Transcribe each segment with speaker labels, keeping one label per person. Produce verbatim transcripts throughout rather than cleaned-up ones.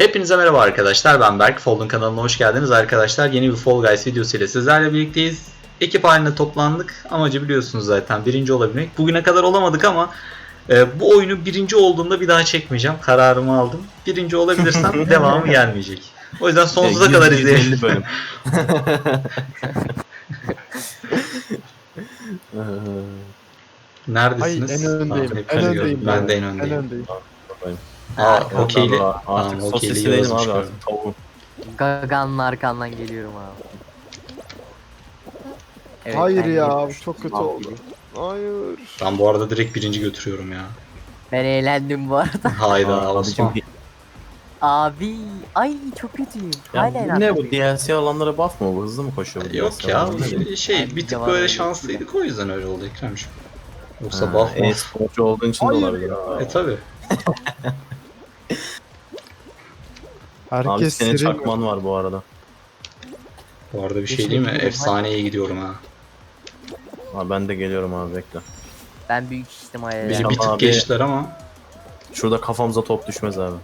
Speaker 1: Hepinize merhaba arkadaşlar, ben Berk. Fold'un kanalına hoş geldiniz arkadaşlar. Yeni bir Fall Guys videosu ile sizlerle birlikteyiz. Ekip halinde toplandık. Amacı biliyorsunuz zaten, birinci olabilmek. Bugüne kadar olamadık ama e, bu oyunu birinci olduğumda bir daha çekmeyeceğim. Kararımı aldım. Birinci olabilirsem devamı gelmeyecek. O yüzden sonsuza kadar izleyelim.
Speaker 2: bölüm.
Speaker 1: Neredesiniz?
Speaker 3: Ay, en öndeyim.
Speaker 1: Tamam,
Speaker 3: En
Speaker 1: hepinizi
Speaker 3: öndeyim
Speaker 1: gördüm. Ben de en
Speaker 3: En
Speaker 1: öndeyim.
Speaker 3: öndeyim.
Speaker 1: Aa, okeyli.
Speaker 2: Artık
Speaker 1: Tamam, okeyli
Speaker 2: sosisi değilim
Speaker 1: yazmış
Speaker 2: abi,
Speaker 1: gördüm.
Speaker 2: artık tavuğum.
Speaker 4: Gagan'ın arkandan geliyorum abi. Evet,
Speaker 3: Hayır
Speaker 4: ben
Speaker 3: ya,
Speaker 4: yedim.
Speaker 3: bu çok kötü
Speaker 4: Mal
Speaker 3: oldu.
Speaker 4: gibi.
Speaker 3: Hayır.
Speaker 1: Ben bu arada direkt birinci götürüyorum ya.
Speaker 4: Ben eğlendim bu arada.
Speaker 1: Hayda
Speaker 2: Aa,
Speaker 1: Osman.
Speaker 2: abicim,
Speaker 4: Abi ay çok kötüyüm. Hala
Speaker 2: ya,
Speaker 4: eğlendim.
Speaker 2: ne bu D L C alanlara buff mı bu? Hızlı mı koşuyor bu
Speaker 1: Yok
Speaker 2: D L C
Speaker 1: ya,
Speaker 2: alanları?
Speaker 1: şey
Speaker 4: Ay,
Speaker 1: bir tık
Speaker 4: canavar
Speaker 1: böyle
Speaker 4: öyle
Speaker 1: şanslıydık, o yüzden öyle oldu Ekrem'ciğim. Yoksa
Speaker 2: Ha,
Speaker 1: buff buff.
Speaker 2: e-sporcu olduğun için de
Speaker 3: Hayır
Speaker 2: olabilir.
Speaker 3: ya.
Speaker 1: E tabi.
Speaker 2: Abi
Speaker 3: Herkes
Speaker 2: senin
Speaker 3: seri mi?
Speaker 2: çakman var bu arada.
Speaker 1: Bu arada bir şey
Speaker 4: Teşekkür
Speaker 1: değil mi?
Speaker 4: ederim.
Speaker 1: Efsaneye gidiyorum ha.
Speaker 2: Ha, ben de geliyorum abi, bekle.
Speaker 4: Ben büyük ihtimalle
Speaker 1: Bizi
Speaker 2: Ya
Speaker 1: bir tık
Speaker 2: abi-
Speaker 1: geçtiler ama.
Speaker 2: Şurada kafamıza top düşmez abi.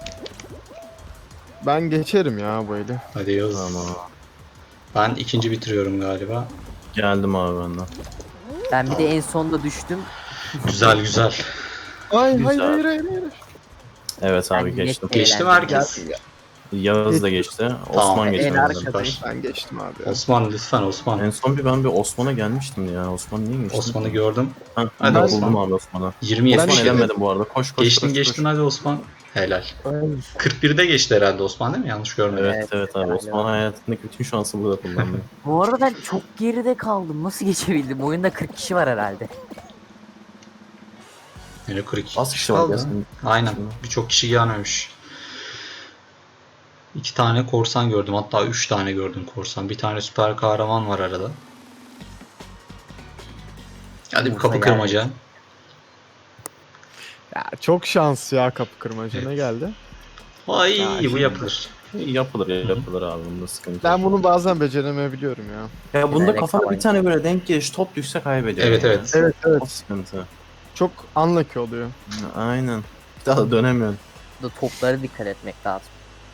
Speaker 3: Ben geçerim ya böyle.
Speaker 1: Hadi yaz.
Speaker 2: Tamam.
Speaker 1: Ben ikinci bitiriyorum galiba.
Speaker 2: Geldim abi benden.
Speaker 4: ben bir de en sonda düştüm.
Speaker 1: Güzel güzel.
Speaker 3: Ay
Speaker 2: Güzel.
Speaker 3: hayır hayır hayır hayır.
Speaker 2: Evet abi,
Speaker 4: Ben
Speaker 2: geçtim.
Speaker 4: net-
Speaker 1: Geçti mi
Speaker 4: Eğlendim.
Speaker 1: herkes?
Speaker 2: Yağız da geçti. Osman
Speaker 4: En
Speaker 2: geçti.
Speaker 4: arkadayım.
Speaker 1: Süper.
Speaker 3: Ben geçtim abi ya.
Speaker 1: Osman lütfen Osman.
Speaker 2: En son bir ben bir Osman'a gelmiştim ya. Osman niye geçti?
Speaker 1: Osman'ı gördüm.
Speaker 2: Ha,
Speaker 1: Hadi
Speaker 2: ben
Speaker 1: Osman.
Speaker 2: buldum abi Osman'ı.
Speaker 1: yirmi
Speaker 3: Ben
Speaker 2: Osman
Speaker 1: yetmiş yedi.
Speaker 2: elenmedim bu arada. Koş koş
Speaker 1: Geçtin
Speaker 2: koş,
Speaker 1: geçtin
Speaker 2: koş.
Speaker 1: hadi Osman. Helal.
Speaker 3: Ay.
Speaker 1: kırk birde geçti herhalde Osman, değil mi? Yanlış görmedim.
Speaker 2: Evet
Speaker 4: Evet,
Speaker 2: evet abi.
Speaker 4: aynen.
Speaker 2: Osman hayatındaki bütün şansı burada kullandı.
Speaker 4: Bu arada ben çok geride kaldım. Nasıl geçebildim? Oyunda kırk kişi var herhalde.
Speaker 1: Yine kırk iki
Speaker 2: Az kişi var
Speaker 1: kaldı.
Speaker 2: gelsin.
Speaker 1: Aynen. Birçok kişi gelmemiş. İki tane korsan gördüm. Hatta üç tane gördüm korsan. Bir tane süper kahraman var arada. Hadi bir
Speaker 4: Yoksa
Speaker 1: kapı
Speaker 4: yani-
Speaker 1: kırmaca.
Speaker 3: Ya çok şans ya kapı kırmaca. Ne geldi?
Speaker 1: Ay
Speaker 3: Ya
Speaker 1: bu
Speaker 3: şimdi-
Speaker 1: yapılır.
Speaker 2: Yapılır ya, yapılır abi, bunda sıkıntı
Speaker 3: Ben
Speaker 2: yok.
Speaker 3: bunu bazen beceremeyebiliyorum ya.
Speaker 2: Ya bunda
Speaker 4: Bilerek
Speaker 2: kafana
Speaker 4: falan.
Speaker 2: bir tane böyle denk geliş top düşse kaybediyor.
Speaker 1: Evet
Speaker 2: yani.
Speaker 1: evet.
Speaker 3: Evet evet.
Speaker 2: O sıkıntı.
Speaker 3: Çok unlucky oluyor.
Speaker 2: Aynen. Bir daha da dönemiyorsun.
Speaker 4: Burada toplara dikkat etmek lazım.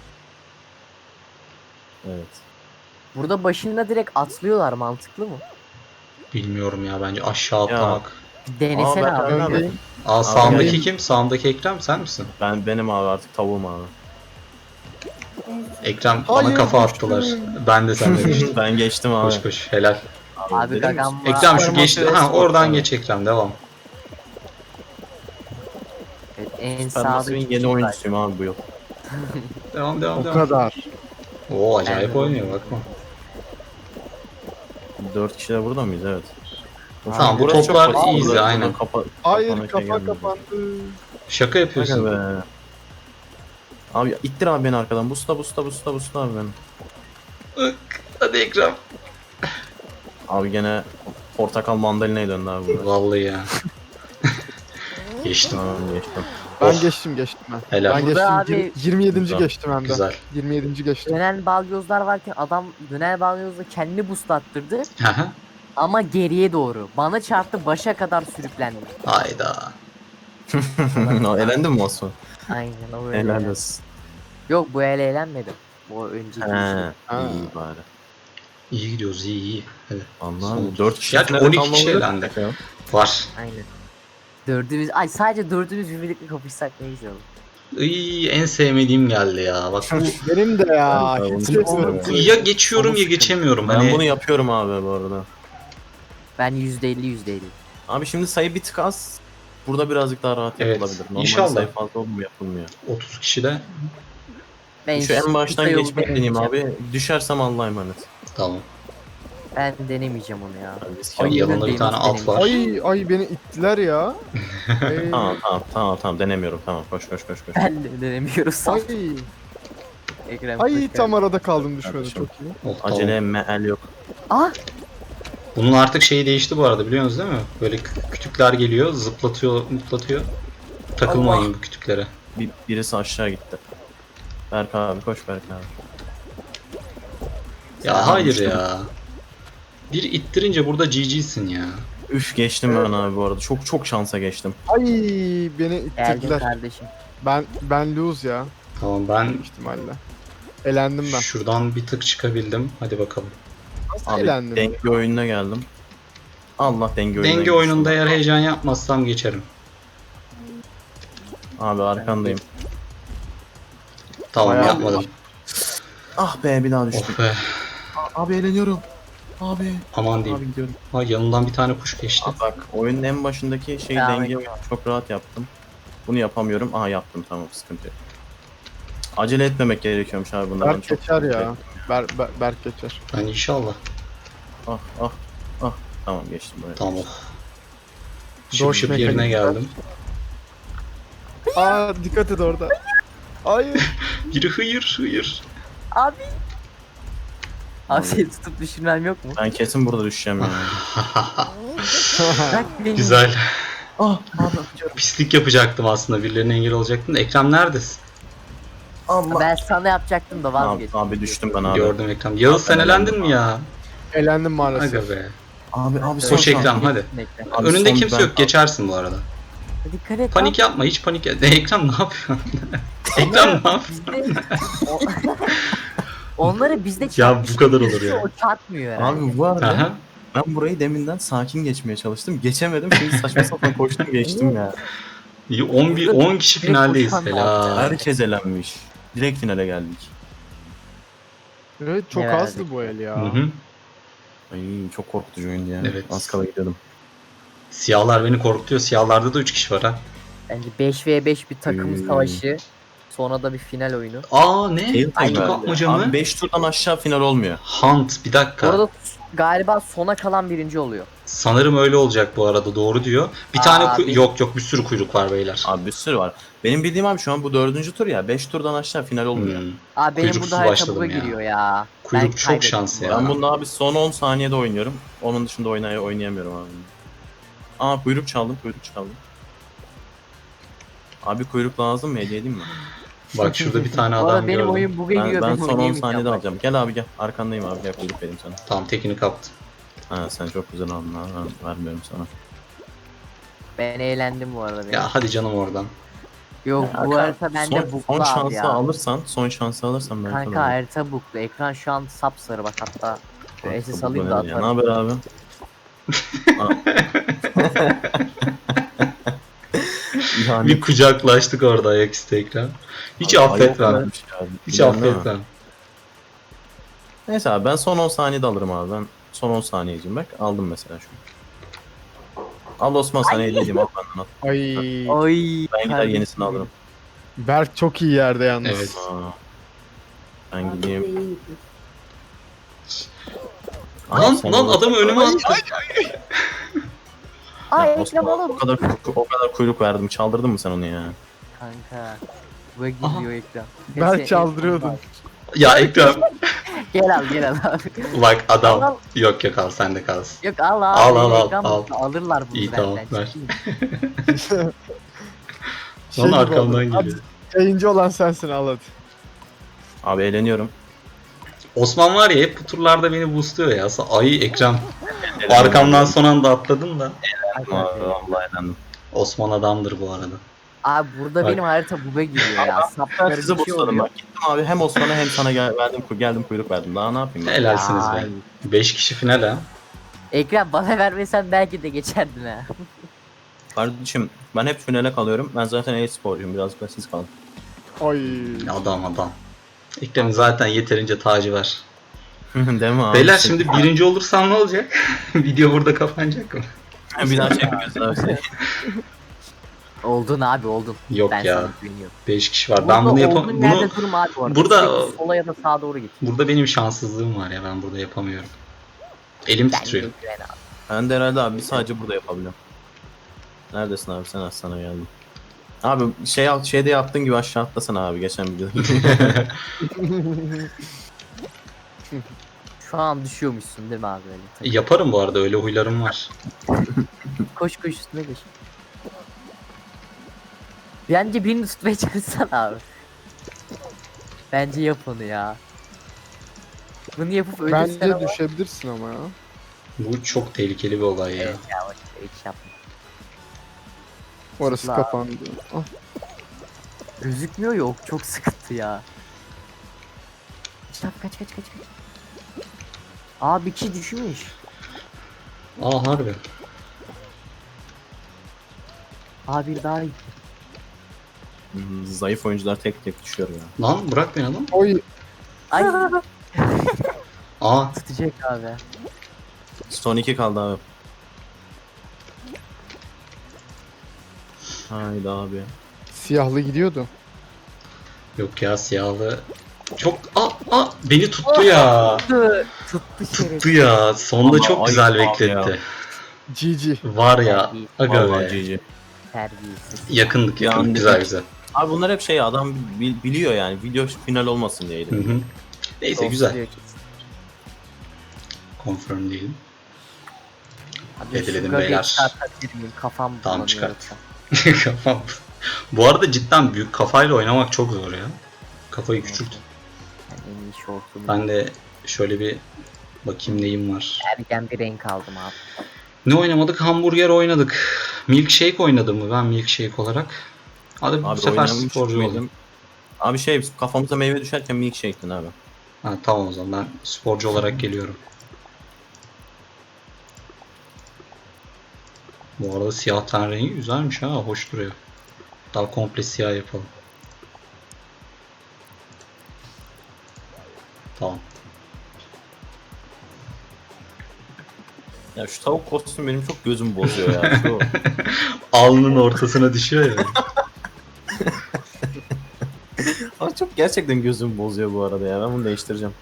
Speaker 2: Evet.
Speaker 4: Burada başında direkt atlıyorlar, mantıklı mı?
Speaker 1: Bilmiyorum ya, bence aşağı atlamak.
Speaker 4: Bir denesene
Speaker 2: Aa, ben-
Speaker 4: abi.
Speaker 2: ben-
Speaker 3: Öndeyim.
Speaker 1: Aa sağımdaki
Speaker 3: benim-
Speaker 1: kim? Sağımdaki Ekrem sen misin?
Speaker 2: Ben benim abi, artık tavuğum abi.
Speaker 1: Ekrem bana
Speaker 3: Hayır,
Speaker 1: kafa
Speaker 3: düştüm.
Speaker 1: attılar. Ben de senden düştüm.
Speaker 2: Ben geçtim abi.
Speaker 1: Koş koş helal.
Speaker 4: Abi
Speaker 2: Dedim
Speaker 4: Gagan
Speaker 2: mi?
Speaker 4: var.
Speaker 1: Ekrem şu
Speaker 2: Süper
Speaker 1: geçti.
Speaker 2: Mario
Speaker 1: Ha
Speaker 2: Sport
Speaker 1: oradan
Speaker 2: abi.
Speaker 1: geç Ekrem, devam.
Speaker 4: Evet, en
Speaker 2: Ben
Speaker 4: sağdaki
Speaker 2: Massive'in
Speaker 4: kim
Speaker 2: yeni
Speaker 4: var?
Speaker 2: oyuncusuyum abi bu yıl.
Speaker 1: Devam devam
Speaker 3: O
Speaker 1: devam.
Speaker 3: kadar.
Speaker 1: Oo acayip
Speaker 4: Ben de-
Speaker 1: oynuyor bakma.
Speaker 2: Dört kişi de burada mıyız? Evet.
Speaker 1: Tamam, bu
Speaker 2: Burası çok
Speaker 1: toplar
Speaker 2: basit.
Speaker 1: easy,
Speaker 2: Buradan
Speaker 1: aynen.
Speaker 2: kapa-
Speaker 3: Hayır
Speaker 2: kapana şey
Speaker 3: kafa
Speaker 2: gelmedi.
Speaker 3: kapandı.
Speaker 1: Şaka yapıyorsun.
Speaker 2: Aga be. Abi ittir abi beni arkadan. Busta busta busta busta abi beni.
Speaker 1: Ik, hadi Ekrem.
Speaker 2: Abi gene portakal mandalina'ya döndü abi burada.
Speaker 1: Vallahi ya. Geçtim.
Speaker 2: Tamam, geçtim.
Speaker 3: Ben
Speaker 1: Of.
Speaker 3: geçtim geçtim ben.
Speaker 1: Helal.
Speaker 3: Ben
Speaker 4: Burada
Speaker 3: geçtim.
Speaker 4: abi-
Speaker 3: Yir- yirmi yedinci
Speaker 2: Güzel.
Speaker 3: geçtim hem de.
Speaker 1: Güzel.
Speaker 3: yirmi yedinci geçtim.
Speaker 4: Dönen balyozlar varken adam dönen balyozla kendini boost attırdı
Speaker 1: Hı hı.
Speaker 4: ama geriye doğru. Bana çarptı, başa kadar sürüklendi.
Speaker 1: Hayda.
Speaker 2: Elendin mi Osman?
Speaker 4: Aynen o öyle.
Speaker 2: Helal
Speaker 4: yani.
Speaker 2: olsun.
Speaker 4: Yok, bu ele eğlenmedim. Bu önceki
Speaker 2: He,
Speaker 4: işte.
Speaker 3: Ha.
Speaker 2: iyi bari.
Speaker 1: İyi gidiyoruz, iyi iyi. Hadi.
Speaker 2: Anladım. dört kişi
Speaker 1: Gerçi
Speaker 2: finale
Speaker 1: on iki
Speaker 2: kalmamız
Speaker 1: kişi
Speaker 2: yok
Speaker 1: elendi.
Speaker 2: ya.
Speaker 1: Var.
Speaker 4: Aynen. Dördümüz, ay sadece dördümüz birlikte kapışsak ne güzel olur.
Speaker 1: Iy, en sevmediğim geldi ya. Bak bu
Speaker 3: Benim de ya.
Speaker 2: Ben
Speaker 3: Hiç
Speaker 2: bunu
Speaker 3: geçmiyorum.
Speaker 2: yapamam
Speaker 1: ya geçiyorum ya
Speaker 2: Onu
Speaker 1: geçemiyorum.
Speaker 2: Ben
Speaker 1: Hani
Speaker 2: bunu yapıyorum abi bu arada.
Speaker 4: Ben yüzde elli yüzde elli.
Speaker 2: Abi şimdi sayı bir tık az. Burada birazcık daha rahat
Speaker 1: Evet,
Speaker 2: yapılabilir. Normalde
Speaker 1: inşallah.
Speaker 2: sayı fazla olmuyor, yapılmıyor.
Speaker 1: otuz kişide
Speaker 4: Ben
Speaker 2: Şu en baştan
Speaker 4: sayı
Speaker 2: geçmek
Speaker 4: deneyeceğim.
Speaker 2: deneyeyim abi. Düşersem Allah'a emanet.
Speaker 1: tamam.
Speaker 4: Ben denemeyeceğim onu ya.
Speaker 2: Yani biz
Speaker 4: Ay,
Speaker 1: Ay, yanında bir
Speaker 4: önündeyim,
Speaker 1: tane
Speaker 4: nasıl
Speaker 1: at var.
Speaker 3: Ay ay beni ittiler ya. Ay.
Speaker 2: Tamam tamam tamam tamam denemiyorum, tamam, koş koş koş koş.
Speaker 4: Ben de denemiyoruz.
Speaker 3: Ay.
Speaker 4: Ekrem
Speaker 3: Ay
Speaker 4: hoş
Speaker 3: tam
Speaker 4: geldin.
Speaker 3: arada kaldım düşmedi
Speaker 2: Kardeşim.
Speaker 3: çok iyi.
Speaker 1: Oh, tamam.
Speaker 2: Acele meal yok.
Speaker 4: Ah!
Speaker 1: Bunun artık şeyi değişti bu arada, biliyorsunuz değil mi? Böyle kü- kütükler geliyor, zıplatıyor, mutlatıyor. Takılmayın
Speaker 4: Allah.
Speaker 1: bu kütüklere.
Speaker 2: Bir, birisi aşağı gitti. Berk abi koş, Berk abi.
Speaker 1: Ya
Speaker 2: Sen
Speaker 1: hayır
Speaker 2: düştün.
Speaker 1: ya. Bir ittirince burada G G'sin ya.
Speaker 2: Üf, geçtim ben abi bu arada. Çok çok şansa geçtim.
Speaker 3: Ay beni
Speaker 4: Geldim
Speaker 3: ittirdiler.
Speaker 4: kardeşim.
Speaker 3: Ben ben lose ya.
Speaker 1: Tamam ben
Speaker 3: ihtimalle. Elendim ben.
Speaker 1: şuradan bir tık çıkabildim. Hadi bakalım.
Speaker 3: Nasıl
Speaker 2: Abi
Speaker 3: elendin?
Speaker 2: denge oyununa geldim. Allah denge oyununa
Speaker 1: Denge
Speaker 2: girsin.
Speaker 1: oyununda eğer heyecan yapmazsam geçerim.
Speaker 2: Abi arkandayım.
Speaker 1: Tamam
Speaker 3: Bayağı
Speaker 1: yapmadım.
Speaker 2: Ah be bir daha düştüm.
Speaker 1: Oh be.
Speaker 2: Abi eğleniyorum. Abi.
Speaker 1: Aman
Speaker 2: Abi
Speaker 1: diyeyim.
Speaker 2: gidiyorum.
Speaker 1: Ha, yanından bir tane kuş geçti.
Speaker 2: Aa, bak oyunun en başındaki şey
Speaker 4: Ya,
Speaker 2: denge
Speaker 4: evet.
Speaker 2: çok rahat yaptım. Bunu yapamıyorum. Aha yaptım tamam sıkıntı yok. Acele etmemek gerekiyormuş abi bunlardan
Speaker 3: Berk
Speaker 2: çok.
Speaker 3: geçer ya. Ber, Ber, Berk geçer.
Speaker 1: Ben inşallah.
Speaker 2: Ah ah ah. Tamam geçtim buraya.
Speaker 1: Tamam. oh. Şıp
Speaker 3: Doş
Speaker 1: şıp yerine
Speaker 3: mekanikler.
Speaker 1: geldim.
Speaker 3: Aa dikkat et orada. Hayır.
Speaker 1: Biri hıyır hıyır.
Speaker 4: Abi. Abi seni tutup düşürmem yok mu?
Speaker 2: Ben kesin burada düşeceğim ya.
Speaker 4: Bırak beni.
Speaker 1: Güzel.
Speaker 2: ah abi.
Speaker 1: Pislik yapacaktım aslında. Birilerine engel olacaktım da. Ekrem neredesin?
Speaker 2: Allah.
Speaker 4: Ben sana yapacaktım da
Speaker 2: Abi,
Speaker 4: vazgeçtim.
Speaker 2: abi düştüm ben abi.
Speaker 1: Gördüm Ekrem. Yağız sen
Speaker 2: Ben
Speaker 1: elendin
Speaker 2: elendim
Speaker 1: mi ya?
Speaker 3: Elendim maalesef.
Speaker 1: Aga be.
Speaker 2: Abi abi son
Speaker 1: Koş Ekrem
Speaker 2: saniye.
Speaker 1: hadi.
Speaker 4: Bekle.
Speaker 2: Abi
Speaker 1: Önünde
Speaker 2: son
Speaker 1: kimse
Speaker 2: ben-
Speaker 1: yok. Geçersin bu arada.
Speaker 4: Dikkat et.
Speaker 1: Panik yapma. Hiç panik yapma. Ekrem ne yapıyorsun? Ekrem ne yapıyorsun?
Speaker 4: Bizde... O- Onları bizde
Speaker 1: Ya
Speaker 4: çarpmış.
Speaker 1: bu kadar olur ya.
Speaker 4: O çarpmıyor herhalde.
Speaker 2: Abi bu arada
Speaker 1: Aha.
Speaker 2: ben burayı deminden sakin geçmeye çalıştım. Geçemedim. Şimdi saçma sapan koştum geçtim ya.
Speaker 1: İyi, on bir on kişi finaldeyiz.
Speaker 4: koşan da
Speaker 1: Helal.
Speaker 2: Herkes elenmiş. Direkt finale geldik.
Speaker 3: Evet çok
Speaker 4: Ne
Speaker 3: azdı
Speaker 4: verdik?
Speaker 3: bu el ya.
Speaker 1: Hı hı.
Speaker 2: Ay çok korkutucu oyundu ya.
Speaker 1: Evet.
Speaker 2: Az kala gidiyordum.
Speaker 1: Siyahlar beni korkutuyor. Siyahlarda da üç kişi var ha.
Speaker 4: Bence beş ve beş bir takım
Speaker 2: Hmm.
Speaker 4: savaşı. Sonra da bir final oyunu.
Speaker 1: Aa ne?
Speaker 2: Tail
Speaker 1: Kutu
Speaker 2: time
Speaker 1: kapmaca
Speaker 2: verdi.
Speaker 1: mı?
Speaker 2: Abi beş turdan aşağı final olmuyor.
Speaker 1: Hunt bir dakika.
Speaker 4: Orada galiba sona kalan birinci oluyor.
Speaker 1: Sanırım öyle olacak bu arada, doğru diyor. Bir
Speaker 4: Aa,
Speaker 1: tane kuy-
Speaker 4: bir-
Speaker 1: yok yok bir sürü kuyruk var beyler.
Speaker 2: Abi bir sürü var. Benim bildiğim abi şu an bu dördüncü tur ya. beş turdan aşağı final olmuyor.
Speaker 1: Hmm.
Speaker 4: Abi benim
Speaker 1: Kuyruksuz
Speaker 4: burada harita
Speaker 1: başladım
Speaker 4: buga
Speaker 1: ya.
Speaker 4: giriyor ya.
Speaker 1: Kuyruk
Speaker 4: Ben
Speaker 1: çok
Speaker 4: kaybettim
Speaker 1: şans
Speaker 4: bu
Speaker 1: ya.
Speaker 2: Ben bunda abi son on saniyede oynuyorum. Onun dışında oynay oynayamıyorum abi. Aa kuyruk çaldım, kuyruk çaldım. Abi kuyruk lazım mı? Hediye edeyim mi?
Speaker 1: Bak şurada bir tane
Speaker 4: Bu arada
Speaker 1: adam
Speaker 4: benim
Speaker 1: gördüm.
Speaker 4: oyun buga
Speaker 2: Ben,
Speaker 4: giriyor.
Speaker 2: ben
Speaker 4: Ben
Speaker 2: son on
Speaker 4: oynayamayacağım
Speaker 2: saniyede
Speaker 4: bak.
Speaker 2: alacağım. Gel abi gel. Arkandayım abi. Gel kuyruk vereyim sana.
Speaker 1: Tamam tekini kaptım.
Speaker 2: Ha sen çok güzel aldın abi. Ben vermiyorum sana.
Speaker 4: Ben eğlendim bu arada. benim.
Speaker 1: Ya hadi canım oradan.
Speaker 4: Yok bu
Speaker 2: Kanka,
Speaker 4: harita bende
Speaker 2: son,
Speaker 4: buklu
Speaker 2: son
Speaker 4: abi
Speaker 2: şansı
Speaker 4: ya.
Speaker 2: alırsan, son şansı alırsan ben
Speaker 4: Kanka harita buklu. Ekran şu an sapsarı bak hatta. Şöyle S S alayım da
Speaker 2: Ne
Speaker 4: atarım.
Speaker 2: haber abi? yani,
Speaker 1: Bir kucaklaştık orada ayaküstü ekran. Hiç
Speaker 2: Abi,
Speaker 1: affetmem.
Speaker 2: ayıp bir şey abi.
Speaker 1: Hiç
Speaker 2: Biliyorum değil mi?
Speaker 1: affetmem.
Speaker 2: Neyse abi ben son on saniyede alırım abi. Ben son on saniyeciyim bak. Aldım mesela şu an. Al Osman sana hediye edeyim al benden al.
Speaker 3: Ay.
Speaker 4: Oy.
Speaker 2: Ben gider
Speaker 4: kardeşim
Speaker 2: yenisini alırım.
Speaker 3: Berk çok iyi yerde yalnız.
Speaker 1: Evet.
Speaker 2: Aa. Ben gideyim.
Speaker 1: Lan
Speaker 2: sen
Speaker 1: lan
Speaker 2: orada-
Speaker 1: adamı önüme attı.
Speaker 4: Ay
Speaker 2: Ya
Speaker 4: Ekrem
Speaker 2: Osman,
Speaker 4: oğlum.
Speaker 2: o kadar o kadar kuyruk verdim. Çaldırdın mı sen onu ya?
Speaker 4: Kanka. Buga gidiyor ekran.
Speaker 3: Berk
Speaker 4: Neyse,
Speaker 3: çaldırıyordun.
Speaker 1: Ya Ekrem.
Speaker 4: Gel al gel al abi.
Speaker 1: Bak
Speaker 4: Al,
Speaker 1: adam.
Speaker 4: al.
Speaker 1: Yok yok al sen de kalsın.
Speaker 4: Yok al abi.
Speaker 1: Al, al, al,
Speaker 4: ekran
Speaker 1: al.
Speaker 4: buklu. Alırlar bunu
Speaker 1: İyi,
Speaker 4: benden.
Speaker 1: tamam, ver.
Speaker 4: ciddiyim.
Speaker 3: Şey
Speaker 1: Lan
Speaker 3: gibi
Speaker 1: arkamdan
Speaker 3: oldu.
Speaker 1: geliyor.
Speaker 3: Abi, yayıncı olan sensin al hadi.
Speaker 2: Abi eğleniyorum.
Speaker 1: Osman var ya hep bu turlarda beni boostluyor ya. Ay Ekrem. Arkamdan son anda atladın da.
Speaker 2: Abi, vallahi eğlendim.
Speaker 1: Osman adamdır bu arada.
Speaker 4: Abi burada
Speaker 1: Bak.
Speaker 4: benim harita buga giriyor ya.
Speaker 2: Ben
Speaker 4: Sapları
Speaker 2: sizi
Speaker 4: bir şey
Speaker 2: boostladım
Speaker 4: oluyor.
Speaker 2: bak. Gittim abi hem Osman'a hem sana gel verdim geldim kuyruk verdim. Daha ne yapayım ben?
Speaker 1: Helalsiniz be.
Speaker 4: Ay.
Speaker 1: beş kişi final ha.
Speaker 4: Ekrem bana vermesen belki de geçerdin ha.
Speaker 2: Kardeşim ben hep finale kalıyorum. Ben zaten e-sporcuyum. Birazcık da siz kalın.
Speaker 3: Ay.
Speaker 1: Adam adam. Ekrem'in zaten yeterince tacı var.
Speaker 2: Değil mi abi?
Speaker 1: Beyler şimdi birinci olursam ne olacak? Video burada kapanacak mı?
Speaker 2: bir daha çekmiyoruz abi.
Speaker 4: Oldun abi oldun.
Speaker 1: Yok
Speaker 4: ben
Speaker 1: ya.
Speaker 4: sana güveniyorum.
Speaker 1: beş kişi var.
Speaker 4: Burada
Speaker 1: Ben bunu yapam
Speaker 4: olduğun
Speaker 1: bunu
Speaker 4: yerde durma abi bu arada.
Speaker 1: burada-
Speaker 4: Sürekli sola ya da sağa doğru git.
Speaker 1: burada benim şanssızlığım var ya, ben burada yapamıyorum. Elim
Speaker 4: Ben
Speaker 1: titriyor.
Speaker 4: güven abi.
Speaker 2: Ben de herhalde abi sadece burada yapabiliyorum. Neredesin abi sen az sana geldim. Abi şey al şeyde yaptığın gibi aşağı atlasana abi geçen videoda.
Speaker 4: Şu an düşüyormuşsun değil mi abi öyle? Tabii.
Speaker 1: Yaparım bu arada, öyle huylarım var.
Speaker 4: Koş koş üstüne koş. Bence birini tutmaya çalışsana abi. Bence yap onu ya. Bunu yapıp ölürsen
Speaker 3: Bence
Speaker 4: ama...
Speaker 3: düşebilirsin ama ya.
Speaker 1: Bu çok tehlikeli bir olay ya.
Speaker 4: Evet ya bak hiç yapma.
Speaker 3: Orası
Speaker 4: La.
Speaker 3: kapandı. Ah,
Speaker 4: Gözükmüyor yok. Çok sıkıntı ya. Kaç kaç kaç kaç kaç. Aa bir kişi düşmüş.
Speaker 1: Aa harbi.
Speaker 4: Aa bir daha gitti.
Speaker 2: Hmm, Zayıf oyuncular tek tek düşüyor ya.
Speaker 1: Lan bırak beni lan.
Speaker 3: Oy.
Speaker 4: Ay
Speaker 1: Aa
Speaker 4: tutacak abi.
Speaker 2: Son iki kaldı abi. Haydi abi.
Speaker 3: Siyahlı gidiyordu.
Speaker 1: yok ya siyahlı. Çok aa, aa beni tuttu ya.
Speaker 4: Tuttu. Tuttu şeref.
Speaker 1: Tuttu ya. Sonda
Speaker 2: Ama
Speaker 1: çok
Speaker 2: ayıp
Speaker 1: güzel
Speaker 2: abi
Speaker 1: bekletti.
Speaker 2: ya.
Speaker 3: G G.
Speaker 1: Var ya. Aga
Speaker 2: Vallahi
Speaker 1: be.
Speaker 2: G G.
Speaker 4: Terbiyesiz.
Speaker 1: Yakındık yakındık.
Speaker 2: Yani-
Speaker 1: Güzel güzel.
Speaker 2: Abi bunlar hep şey adam bil- biliyor yani. Video final olmasın diyeydi.
Speaker 1: Hı hı. Neyse
Speaker 4: Olsun
Speaker 1: güzel.
Speaker 4: diyor ki.
Speaker 1: Confirm değilim.
Speaker 4: Abi
Speaker 1: Edilelim
Speaker 4: şu gaga
Speaker 1: beyler.
Speaker 4: çıkartabilir miyim? Kafam
Speaker 1: Tamam,
Speaker 4: bulanıyor
Speaker 1: çıkart.
Speaker 4: yoksa.
Speaker 1: Kafam. Bu arada cidden büyük kafayla oynamak çok zor ya. Kafayı küçült.
Speaker 4: Yani en iyi şortum.
Speaker 1: Ben de şöyle bir bakayım neyim var.
Speaker 4: Ergen bir renk aldım abi.
Speaker 1: Ne oynamadık? Hamburger oynadık. Milkshake oynadım mı ben milkshake olarak? Hadi bu
Speaker 2: Abi
Speaker 1: sefer
Speaker 2: oynamış
Speaker 1: sporcu
Speaker 2: mıydım?
Speaker 1: oldum.
Speaker 2: Abi şey kafamıza meyve düşerken milkshake'tin abi.
Speaker 1: Ha, tamam o zaman ben sporcu olarak geliyorum. Bu arada siyah ten rengi güzelmiş ha, hoş duruyor. Daha komple siyah yapalım. Tamam.
Speaker 2: Ya şu tavuk kostüm benim çok gözümü bozuyor ya. Şu
Speaker 1: Alnının ortasına düşüyor ya.
Speaker 2: Abi çok gerçekten gözümü bozuyor bu arada ya. Ben bunu değiştireceğim.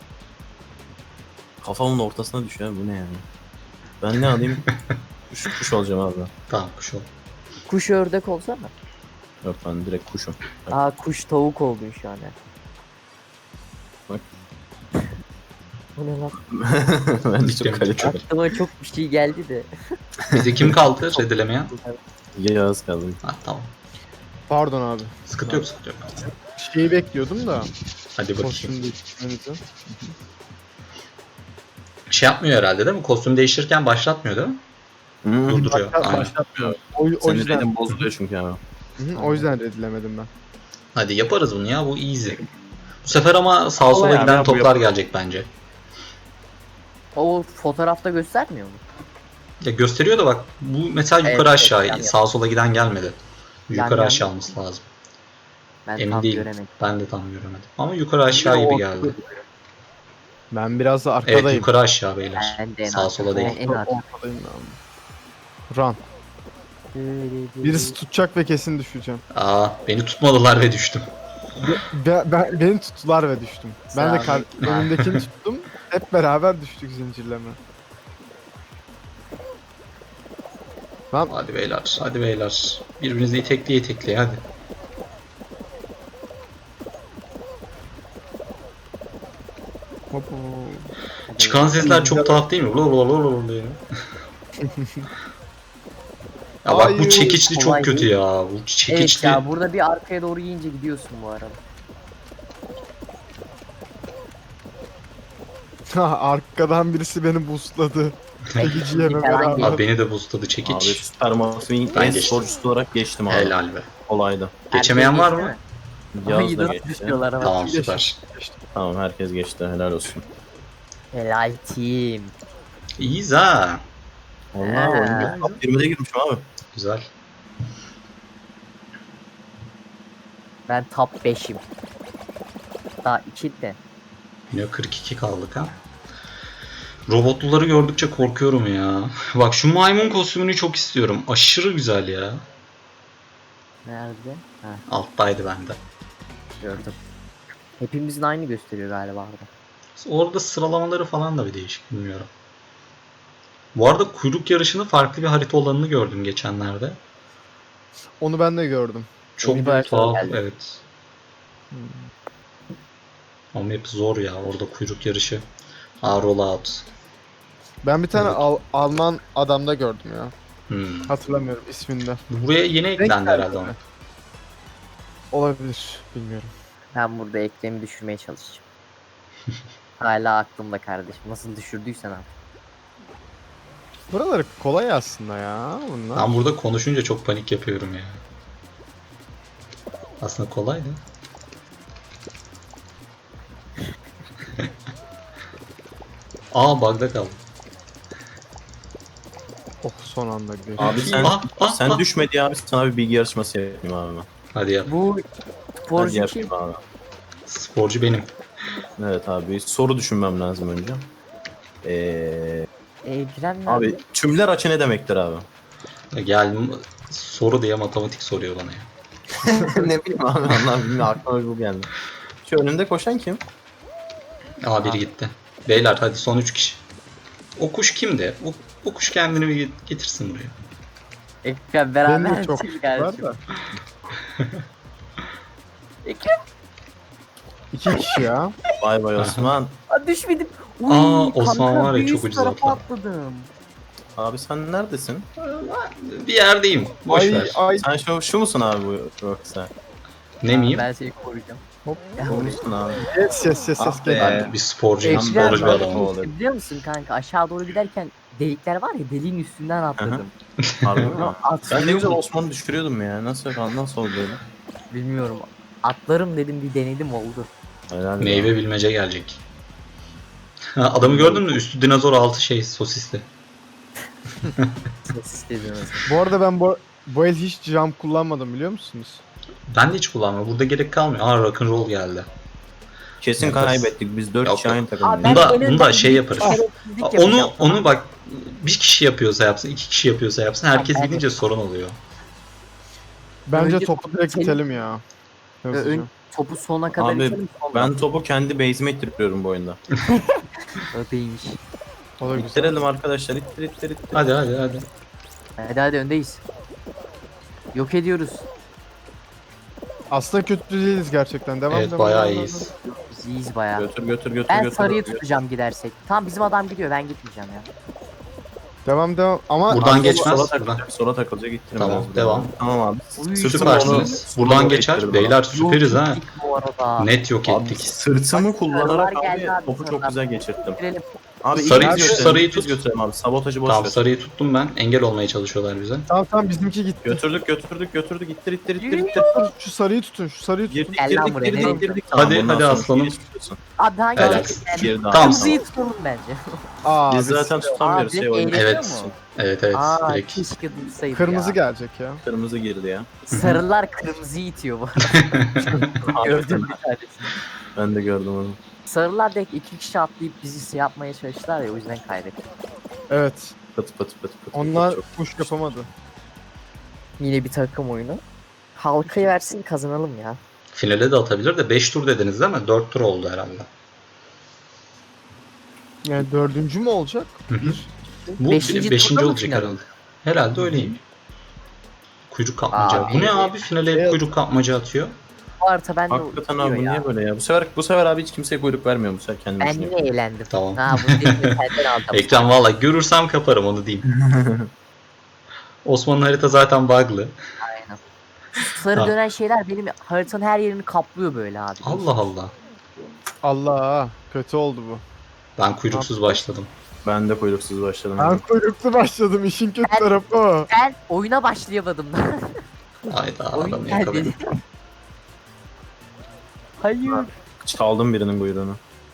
Speaker 2: Kafamın ortasına düşüyor. Bu ne yani? Ben ne alayım? Kuş, kuş olacağım abi.
Speaker 1: Tamam kuş ol.
Speaker 4: Kuş ördek olsana.
Speaker 2: Yok ben direkt kuşum.
Speaker 4: Aa kuş tavuk oldun şu an. ya.
Speaker 2: Bak.
Speaker 4: Bu ne lan?
Speaker 2: ben de
Speaker 1: Cidden
Speaker 2: çok kaliteli.
Speaker 4: Aklıma çok bir şey geldi de.
Speaker 1: Bize kim kaldı redelemeyen?
Speaker 2: Yağız kaldım.
Speaker 1: Ha tamam.
Speaker 3: Pardon abi.
Speaker 1: Sıkıntı yok sıkıntı yok.
Speaker 3: Şeyi bekliyordum da.
Speaker 1: Hadi bakayım.
Speaker 3: Kostüm değiştirmenizi.
Speaker 1: Şey yapmıyor herhalde değil mi? Kostüm değiştirirken başlatmıyor değil mi?
Speaker 2: Hmm.
Speaker 1: Durduruyor.
Speaker 3: Başlat-
Speaker 1: Aynen.
Speaker 2: Başlatmıyor.
Speaker 3: O, o
Speaker 2: Senin
Speaker 3: yüzden,
Speaker 2: redin bozuluyor çünkü abi.
Speaker 3: Hı hı, o yüzden redilemedim ben.
Speaker 1: Hadi yaparız bunu ya, bu easy. Bu sefer ama sağa sola
Speaker 2: Kolay abi
Speaker 1: giden
Speaker 2: ya, bu
Speaker 1: toplar
Speaker 2: yapalım.
Speaker 1: gelecek bence.
Speaker 4: O fotoğrafta göstermiyor mu?
Speaker 1: Ya gösteriyor da bak bu mesela
Speaker 4: Evet,
Speaker 1: yukarı
Speaker 4: evet,
Speaker 1: aşağı
Speaker 4: yan yana.
Speaker 1: sağa sola giden gelmedi. Yukarı
Speaker 4: yana
Speaker 1: aşağı
Speaker 4: mı?
Speaker 1: olması lazım.
Speaker 4: Ben
Speaker 1: Emin
Speaker 4: tam
Speaker 1: değilim.
Speaker 4: göremedim.
Speaker 1: Ben de tam göremedim. Ama yukarı aşağı gibi geldi.
Speaker 3: Ben biraz da
Speaker 1: Evet
Speaker 3: arkadayım.
Speaker 1: yukarı aşağı beyler.
Speaker 4: Ben de en
Speaker 1: Sağa
Speaker 4: arkada.
Speaker 1: sola değil.
Speaker 4: En arkada.
Speaker 3: Ortadayım ben. Run. Birisi tutacak ve kesin düşeceğim.
Speaker 1: Aa beni tutmadılar ve düştüm.
Speaker 3: Be, ben, beni tuttular ve düştüm. Ben de
Speaker 4: Sağ
Speaker 3: kar,
Speaker 4: ol.
Speaker 3: önümdekini tuttum. Hep beraber düştük zincirleme. Lan
Speaker 1: Hadi beyler, hadi beyler. Birbirinizi itekleye itekleye hadi.
Speaker 3: hop, hop.
Speaker 1: Çıkan sesler çok tuhaf değil mi? Lo lo lo lo diye. Ya bak bu
Speaker 3: Hayır,
Speaker 1: çekiçli çok
Speaker 4: kolay
Speaker 1: kötü
Speaker 4: değil.
Speaker 1: ya. Bu
Speaker 4: Evet
Speaker 1: çekiçli.
Speaker 4: ya burada bir arkaya doğru yiyince gidiyorsun bu arada.
Speaker 3: Ha, arkadan birisi beni boostladı. Çekiciyle
Speaker 4: Falan
Speaker 3: beraber.
Speaker 4: geliyor.
Speaker 1: Abi beni de boostladı
Speaker 2: Abi
Speaker 1: çekiç.
Speaker 2: Süper Mafya'nın
Speaker 1: Ben
Speaker 2: en
Speaker 1: geçtim.
Speaker 2: sporcusu olarak geçtim abi.
Speaker 1: Helal be.
Speaker 2: Kolaydı.
Speaker 1: Geçemeyen
Speaker 4: Herkes
Speaker 1: var
Speaker 4: geçti
Speaker 1: mı?
Speaker 4: mi? Ay
Speaker 2: Yağız da
Speaker 4: nasıl
Speaker 2: geçti.
Speaker 4: düşüyorlar ama.
Speaker 1: Tamam
Speaker 3: Geçtim.
Speaker 1: süper.
Speaker 2: Tamam herkes geçti. Helal olsun.
Speaker 4: Helal team.
Speaker 1: İyiyiz ha.
Speaker 2: Vallahi
Speaker 4: Ha.
Speaker 2: oyunda top yirmide girmişim abi.
Speaker 1: Güzel.
Speaker 4: Ben top beşim. Daha iki de.
Speaker 1: Yine kırk iki kaldık ha. Robotluları gördükçe korkuyorum ya. Bak şu maymun kostümünü çok istiyorum. Aşırı güzel ya.
Speaker 4: Nerede? Ha
Speaker 1: Alttaydı bende.
Speaker 4: gördüm. Hepimizin aynı gösteriyor galiba orada.
Speaker 1: Orada sıralamaları falan da bir değişik, bilmiyorum. Bu arada kuyruk yarışını farklı bir harita olanını gördüm geçenlerde.
Speaker 3: Onu ben de gördüm.
Speaker 1: Çok
Speaker 4: Bir harita
Speaker 1: tuhaf,
Speaker 4: geldi.
Speaker 1: evet. Ama hep zor ya orada kuyruk yarışı. Aa, rollout.
Speaker 3: Ben bir tane
Speaker 1: Evet.
Speaker 3: Al- Alman adamda gördüm ya.
Speaker 1: Hmm.
Speaker 3: Hatırlamıyorum isminde.
Speaker 1: Buraya yeni eklendi
Speaker 3: geldi
Speaker 1: herhalde
Speaker 3: mi?
Speaker 1: ama.
Speaker 3: Olabilir. Bilmiyorum.
Speaker 4: Ben burada eklemi düşürmeye çalışacağım. Hala aklımda kardeşim. Nasıl düşürdüysen abi.
Speaker 3: Buraları kolay aslında ya bunlar.
Speaker 1: Ben burada konuşunca çok panik yapıyorum ya. Aslında kolay da. Aa bug'da kaldım.
Speaker 3: Oh son anda geçti.
Speaker 2: Abi sen
Speaker 1: Ah, ah,
Speaker 2: sen
Speaker 1: ah.
Speaker 2: düşme diye abi sana bir bilgi yarışması yapayım abi ben.
Speaker 1: Hadi yap.
Speaker 4: Bu
Speaker 2: Hadi
Speaker 4: sporcu kim?
Speaker 2: yapayım abi.
Speaker 1: Sporcu benim.
Speaker 2: Evet abi soru düşünmem lazım önce. Ee,
Speaker 4: Ekrem nerede?
Speaker 2: abi tümler açı ne demektir abi?
Speaker 1: Gel soru diye matematik soruyor bana ya.
Speaker 2: ne bileyim abi Allah bilmiyorum aklıma bu geldi. Şu önünde koşan kim?
Speaker 1: Aa biri gitti. Beyler hadi son üç kişi. O kuş kimdi? O, o kuş kendini bir getirsin buraya.
Speaker 4: Ekrem
Speaker 3: Benim
Speaker 4: beraber
Speaker 3: de çok
Speaker 4: misin
Speaker 3: var
Speaker 4: kardeşim?
Speaker 3: da.
Speaker 4: Ekrem
Speaker 3: İki kişi ya.
Speaker 2: Vay vay Osman.
Speaker 4: aa, düşmedim. Uy,
Speaker 1: Aa, Osman
Speaker 4: kanka,
Speaker 1: var ya,
Speaker 4: bir
Speaker 1: çok
Speaker 4: üst
Speaker 1: ucuz
Speaker 4: tarafa
Speaker 1: atladı.
Speaker 4: atladım.
Speaker 2: Abi sen neredesin?
Speaker 1: Bir yerdeyim. Boş
Speaker 3: Ay
Speaker 1: ver.
Speaker 3: ay.
Speaker 2: Sen şu, şu musun abi bu yoksa?
Speaker 1: Ne miyim?
Speaker 4: Ben seni koruyacağım.
Speaker 3: Hop.
Speaker 2: Bu musun abi?
Speaker 3: Ses ses ses ses
Speaker 2: Ah be.
Speaker 3: gel.
Speaker 1: Ben bir sporcuyum.
Speaker 4: Ekrem
Speaker 1: Sporcu bir
Speaker 2: ben-
Speaker 1: adamım.
Speaker 2: Olur.
Speaker 4: biliyor musun kanka aşağı doğru giderken delikler var ya deliğin üstünden atladım.
Speaker 2: Harbi mi?
Speaker 4: Bunu
Speaker 2: Ben ne
Speaker 4: atlıyorum.
Speaker 2: güzel Osman'ı düşürüyordum ya. Nasıl nasıl oldu öyle?
Speaker 4: Bilmiyorum. Atlarım dedim bir denedim oldu.
Speaker 2: Helal
Speaker 1: Meyve bilmece gelecek. Ha, adamı gördün mü? Üstü dinozor altı şey sosisli.
Speaker 4: Ses istedim mesela.
Speaker 3: Bu arada ben bu, bu el hiç jump kullanmadım biliyor musunuz?
Speaker 1: Ben de hiç kullanmıyorum. Burada gerek kalmıyor. Aa rock'n'roll geldi.
Speaker 2: Kesin
Speaker 1: Yaparız.
Speaker 2: kaybettik. Biz dört
Speaker 1: Yok,
Speaker 2: kişi
Speaker 1: yok.
Speaker 2: aynı
Speaker 4: Abi
Speaker 2: takımdayız.
Speaker 4: ben
Speaker 1: Bunu da-
Speaker 4: en
Speaker 1: bunu da
Speaker 4: önden
Speaker 1: şey
Speaker 4: bir
Speaker 1: yaparız.
Speaker 4: şerefsizlik
Speaker 1: Aa,
Speaker 4: yapacağım.
Speaker 1: Onu onu bak bir kişi yapıyorsa yapsın, iki kişi yapıyorsa yapsın. Herkes
Speaker 4: Tamam,
Speaker 1: gidince sorun oluyor.
Speaker 3: Bence
Speaker 4: Önce
Speaker 3: topu direkt
Speaker 4: senin-
Speaker 3: itelim ya. Hızlıca.
Speaker 4: Ön, topu sona kadar
Speaker 2: Abi,
Speaker 4: itelim sonra.
Speaker 2: Ben topu kendi base'ime ittiriyorum bu oyunda.
Speaker 4: Öpeymiş.
Speaker 3: O da güzel.
Speaker 2: İttirelim arkadaşlar. İttir ittir ittir.
Speaker 1: Hadi hadi hadi.
Speaker 4: Hadi hadi öndeyiz. Yok ediyoruz.
Speaker 3: Aslında kötü değiliz gerçekten. Devam
Speaker 1: Evet
Speaker 3: devam,
Speaker 1: bayağı
Speaker 3: devam,
Speaker 1: iyiyiz.
Speaker 4: Biz iyiyiz bayağı.
Speaker 2: Götür götür götür
Speaker 4: Ben
Speaker 2: götür.
Speaker 4: sarıyı
Speaker 2: götür.
Speaker 4: tutacağım gidersek. Tamam bizim adam gidiyor ben gitmeyeceğim ya.
Speaker 3: Devam devam. Ama
Speaker 1: Buradan
Speaker 2: Abi,
Speaker 1: geçmez,
Speaker 2: Sola
Speaker 1: buradan.
Speaker 2: takılacak, sola takılacak ittirin
Speaker 1: Tamam,
Speaker 2: biraz.
Speaker 1: devam.
Speaker 2: Tamam abi.
Speaker 4: Uy,
Speaker 2: Sırtımla
Speaker 1: Süpersiniz.
Speaker 2: onu-
Speaker 1: Buradan
Speaker 2: onu
Speaker 1: geçer.
Speaker 2: ittirdim
Speaker 1: Beyler
Speaker 2: abi.
Speaker 1: süperiz
Speaker 4: Yok
Speaker 1: ha.
Speaker 4: ettik bu arada.
Speaker 1: Net yok
Speaker 2: Abi
Speaker 1: ettik.
Speaker 2: sırtımı kullanarak
Speaker 4: Sarılar geldi
Speaker 2: abi
Speaker 4: abi,
Speaker 2: topu çok
Speaker 4: sarılar.
Speaker 2: güzel geçirttim.
Speaker 4: Bitirelim.
Speaker 2: Abi
Speaker 1: Sarıyı
Speaker 2: ilk biz
Speaker 1: tut,
Speaker 2: götürelim,
Speaker 1: sarıyı
Speaker 2: ilk biz
Speaker 1: tut.
Speaker 2: götürelim abi. Sabotajı boş
Speaker 1: Tamam
Speaker 2: ver.
Speaker 1: sarıyı tuttum ben. Engel olmaya çalışıyorlar bize.
Speaker 3: tamam tamam bizimki gitti.
Speaker 2: Götürdük götürdük götürdük ittir ittir ittir
Speaker 4: Yürü.
Speaker 2: ittir.
Speaker 3: Şu sarıyı tutun, şu sarıyı tutun.
Speaker 2: Girdik
Speaker 4: Gel lan
Speaker 2: girdik
Speaker 4: buraya,
Speaker 2: girdik
Speaker 4: nereye
Speaker 2: girdik.
Speaker 1: Hadi,
Speaker 2: bundan
Speaker 1: hadi
Speaker 2: sonra
Speaker 1: aslanım.
Speaker 2: geri tutuyorsun.
Speaker 4: Abi daha
Speaker 1: Helal.
Speaker 4: geldik yani.
Speaker 2: Bir daha.
Speaker 1: Tamam.
Speaker 4: Kırmızıyı tutalım bence.
Speaker 3: Aa,
Speaker 2: Biz
Speaker 3: biz-
Speaker 2: zaten tutamıyoruz
Speaker 4: Abi,
Speaker 2: şey oyunu.
Speaker 4: eğleniyor
Speaker 1: Evet.
Speaker 4: mu?
Speaker 1: Evet evet.
Speaker 4: Aa
Speaker 1: Direkt.
Speaker 4: keşke dursaydı
Speaker 3: Kırmızı
Speaker 4: ya.
Speaker 3: gelecek ya.
Speaker 2: Kırmızı girdi ya.
Speaker 4: Sarılar kırmızıyı itiyor bu arada. Gördüm bir tanesini.
Speaker 2: Ben de gördüm onu.
Speaker 4: Sarılar direkt iki kişi atlayıp bizi şey yapmaya çalıştılar ya o yüzden kaybettik.
Speaker 3: Evet.
Speaker 2: Pıt pıt pıt pıt.
Speaker 3: Onlar
Speaker 2: çok
Speaker 3: push yapamadı.
Speaker 4: Yine bir takım oyunu. Halkayı versin kazanalım ya.
Speaker 1: Finale de atabilir de beş tur dediniz değil mi? dört tur oldu herhalde.
Speaker 3: Yani dördüncü mü olacak?
Speaker 1: Hı hı.
Speaker 3: Bir.
Speaker 1: Bu
Speaker 4: Beşinci
Speaker 1: beşinci
Speaker 4: turda mı
Speaker 1: olacak
Speaker 4: final?
Speaker 1: herhalde. Herhalde öyleyim. Kuyruk kapmaca.
Speaker 4: Abi.
Speaker 1: Bu ne abi? Finale hep
Speaker 3: Evet.
Speaker 1: kuyruk kapmaca atıyor.
Speaker 4: Bu harita bende
Speaker 2: Hakikaten
Speaker 4: uçuyor
Speaker 2: abi bu
Speaker 4: ya.
Speaker 2: niye böyle ya? Bu sefer bu sefer abi hiç kimseye kuyruk vermiyor bu sefer kendi
Speaker 4: Ben
Speaker 2: başına.
Speaker 4: yine eğlendim.
Speaker 1: Tamam.
Speaker 4: Ha bunu dedim senden aldım.
Speaker 1: Ekran valla görürsem kaparım onu diyeyim. Osman'ın harita zaten bug'lı.
Speaker 4: Aynen. Sarı
Speaker 1: Ha.
Speaker 4: dönen şeyler benim haritanın her yerini kaplıyor böyle abi.
Speaker 1: Allah Allah.
Speaker 3: Allah kötü oldu bu.
Speaker 1: Ben kuyruksuz başladım.
Speaker 2: Ben de kuyruksuz başladım.
Speaker 3: Ben kuyruklu başladım. İşin kötü
Speaker 4: Ben-
Speaker 3: tarafı o.
Speaker 4: Ben oyuna başlayamadım da.
Speaker 1: Hayda
Speaker 4: Oyun
Speaker 1: adamı
Speaker 4: geldi.
Speaker 1: yakaladım.
Speaker 4: Hayır.
Speaker 2: Çaldım birinin kuyruğunu.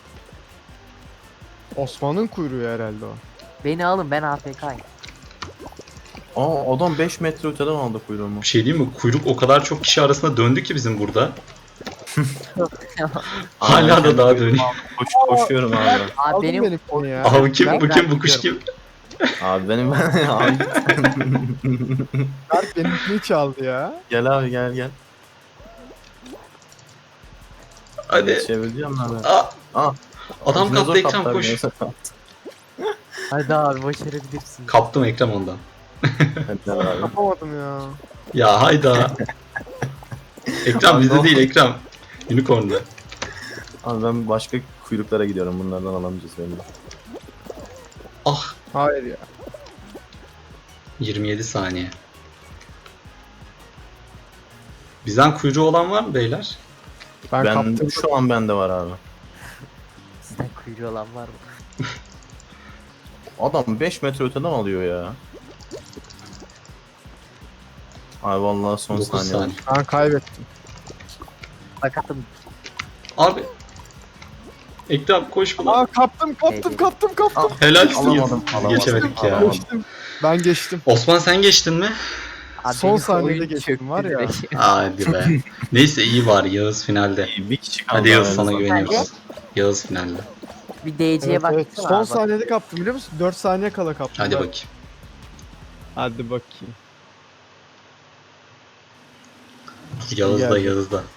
Speaker 3: Osman'ın kuyruğu herhalde o.
Speaker 4: Beni alın ben A F K'yim.
Speaker 2: Aa adam beş metre öteden aldı kuyruğumu.
Speaker 1: Bir şey diyeyim mi? Kuyruk o kadar çok kişi arasında döndü ki bizim burada. Hala da daha dönüyor.
Speaker 2: Koş, koşuyorum abi.
Speaker 4: Abi
Speaker 3: Aldın
Speaker 4: benim
Speaker 3: benimkini ya.
Speaker 1: Abi kim
Speaker 3: Ben-
Speaker 1: bu kim bu kuş kim?
Speaker 2: Abi benim abi
Speaker 3: Berk benimkini çaldı ya.
Speaker 2: gel abi gel gel.
Speaker 1: Hadi.
Speaker 2: Çevireceğim abi.
Speaker 1: Aa,
Speaker 2: Aa,
Speaker 1: adam
Speaker 2: dinozor
Speaker 1: kaptı ekran
Speaker 2: kaptı
Speaker 1: koş.
Speaker 2: abi, dinozor kaptı.
Speaker 4: hadi abi başarabilirsin.
Speaker 1: Kaptım ekran ondan.
Speaker 2: Hadi gel abi.
Speaker 3: Yapamadım ya.
Speaker 1: Ya hayda. Ekran
Speaker 2: Abi
Speaker 1: bizde
Speaker 2: ne
Speaker 1: değil
Speaker 2: oldu?
Speaker 1: ekran. Unicorn'da.
Speaker 2: Abi ben başka kuyruklara gidiyorum. Bunlardan alamayacağız beni.
Speaker 1: Ah
Speaker 3: Hayır ya.
Speaker 1: yirmi yedi saniye. Bizden kuyruğu olan var mı beyler?
Speaker 3: Ben,
Speaker 2: Ben
Speaker 3: kaptım.
Speaker 2: şu an bende var abi.
Speaker 4: Sizden kuyruğu olan var mı?
Speaker 2: Adam beş metre öteden alıyor ya. Ay vallahi son
Speaker 1: dokuz
Speaker 2: saniye.
Speaker 1: saniye.
Speaker 3: Ben kaybettim.
Speaker 4: Sakatım.
Speaker 1: Abi. Ekrem koş buna.
Speaker 3: Aa kaptım kaptım
Speaker 4: Neydi?
Speaker 3: kaptım kaptım.
Speaker 1: Helalsin
Speaker 2: Alamadım,
Speaker 1: Yağız.
Speaker 2: alamadım,
Speaker 1: Geçemedik ya.
Speaker 2: alamadım.
Speaker 3: Geçtim. Ben geçtim.
Speaker 1: Osman sen geçtin mi?
Speaker 4: Abi
Speaker 3: Son
Speaker 4: benim
Speaker 3: saniyede
Speaker 4: oyun
Speaker 3: geçtim
Speaker 4: çöktü
Speaker 3: var ya.
Speaker 4: direkt.
Speaker 1: Hadi be. Neyse iyi var Yağız finalde.
Speaker 2: Bir kişi kaldı.
Speaker 1: Hadi Yağız
Speaker 2: abi.
Speaker 1: sana
Speaker 2: Zaten-
Speaker 1: güveniyoruz. Yağız finalde.
Speaker 4: Bir D C'ye
Speaker 3: Evet,
Speaker 4: baksana
Speaker 3: evet. Son
Speaker 4: abi.
Speaker 3: saniyede kaptım biliyor musun? dört saniye kala kaptım.
Speaker 1: Hadi
Speaker 3: ben.
Speaker 1: bakayım.
Speaker 3: Hadi bakayım.
Speaker 1: Yağız da
Speaker 3: Geldi.
Speaker 1: Yağız da.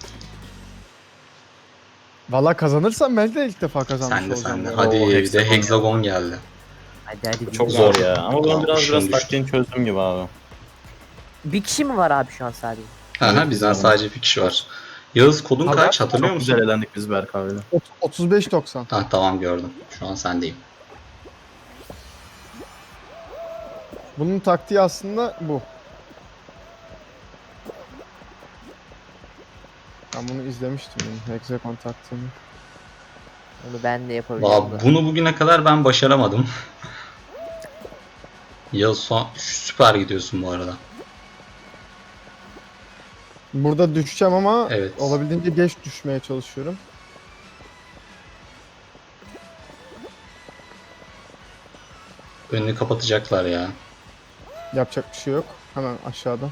Speaker 3: Valla kazanırsam ben de ilk defa kazanmış
Speaker 1: Sen de
Speaker 3: olacağım.
Speaker 1: sen de.
Speaker 3: ya.
Speaker 1: Hadi
Speaker 2: Oo,
Speaker 1: bir de
Speaker 2: hexagon
Speaker 1: hexagon geldi.
Speaker 4: Hadi hadi.
Speaker 2: Çok
Speaker 4: bir-
Speaker 2: zor ya. Ama ben
Speaker 1: Aa,
Speaker 2: biraz
Speaker 1: şun
Speaker 2: biraz
Speaker 1: düştü.
Speaker 2: taktiğini çözdüm gibi abi.
Speaker 4: Bir kişi mi var abi şu an sadece?
Speaker 1: Aha bizden sadece bir kişi var. Yağız kodun
Speaker 3: Haber-
Speaker 1: kaç hatırlıyor
Speaker 2: Çok
Speaker 1: musun?
Speaker 2: güzel elendik biz Berk abiyle.
Speaker 3: Ot- otuz beş doksan.
Speaker 1: Ha tamam gördüm. Şu an sendeyim.
Speaker 3: Bunun taktiği aslında bu. Ben bunu izlemiştim bunun Hexagon taktiğini.
Speaker 4: Onu ben de yapabilirim.
Speaker 1: Valla bunu bugüne kadar ben başaramadım. Yağız son süper gidiyorsun bu arada.
Speaker 3: Burada düşeceğim ama
Speaker 1: Evet.
Speaker 3: olabildiğince geç düşmeye çalışıyorum.
Speaker 1: Önünü kapatacaklar ya.
Speaker 3: Yapacak bir şey yok. Hemen aşağıda.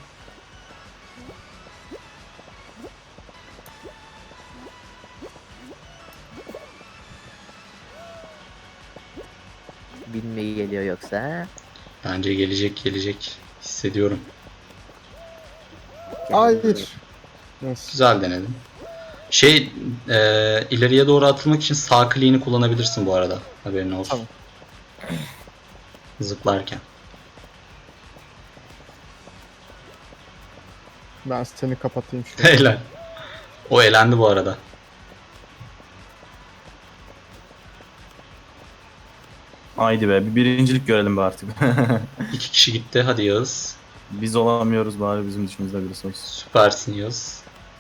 Speaker 4: Bilmeyi geliyor yoksa. ha?
Speaker 1: Bence gelecek gelecek. Hissediyorum.
Speaker 3: Hayır. Neyse.
Speaker 1: Güzel denedim. Şey e, ileriye doğru atılmak için sağ kliğini kullanabilirsin bu arada. Haberin olsun.
Speaker 3: Tamam.
Speaker 1: Zıplarken.
Speaker 3: Ben seni kapatayım şöyle.
Speaker 1: Helal. O elendi bu arada.
Speaker 2: Haydi be bir birincilik görelim be artık.
Speaker 1: İki kişi gitti. Hadi Yağız.
Speaker 2: Biz olamıyoruz bari bizim dışımızda birisi olsun.
Speaker 1: Süpersin Yağız.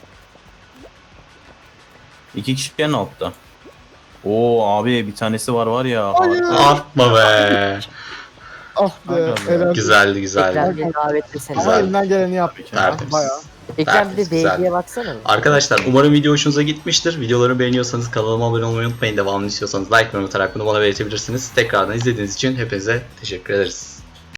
Speaker 2: İki kişi en altta. Oo abi bir tanesi var var ya.
Speaker 3: Hayır.
Speaker 2: harika.
Speaker 1: Atma be.
Speaker 3: Ah be.
Speaker 2: Aynen.
Speaker 3: Helal.
Speaker 1: Güzeldi güzeldi.
Speaker 4: Ekrem bir davetlesene.
Speaker 3: Ama
Speaker 1: Güzel.
Speaker 3: elinden geleni yaptık ya.
Speaker 1: Tertemiz.
Speaker 3: Bayağı.
Speaker 4: Ekrem bir de
Speaker 1: Tertemiz, güzel.
Speaker 4: D C'ye baksana.
Speaker 1: Arkadaşlar umarım video hoşunuza gitmiştir. Videoları beğeniyorsanız kanalıma abone olmayı unutmayın. Devamını istiyorsanız like ve unutarak bunu bana belirtebilirsiniz. Tekrardan izlediğiniz için hepinize teşekkür ederiz.